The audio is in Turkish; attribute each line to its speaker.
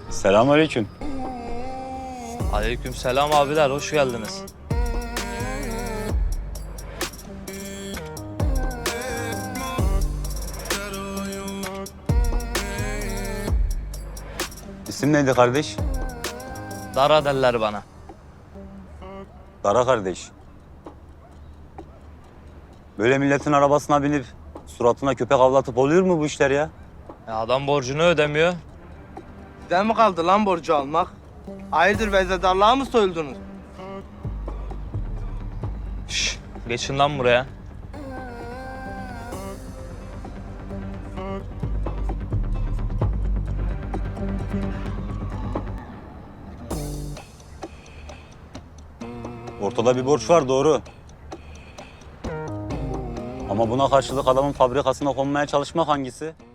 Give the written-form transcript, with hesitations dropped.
Speaker 1: Selamünaleyküm.
Speaker 2: Aleykümselam abiler, hoş geldiniz.
Speaker 1: İsim neydi kardeş?
Speaker 2: Dara derler bana.
Speaker 1: Dara kardeş. Böyle milletin arabasına binip suratına köpek avlatıp oluyor mu bu işler ya?
Speaker 2: Adam borcunu ödemiyor.
Speaker 3: Sizden mi kaldı lan borcu almak? Hayırdır vezedarlığa mı soyuldunuz?
Speaker 2: Şş, geçin lan buraya.
Speaker 1: Ortada bir borç var, doğru. Ama buna karşılık adamın fabrikasına konmaya çalışmak hangisi?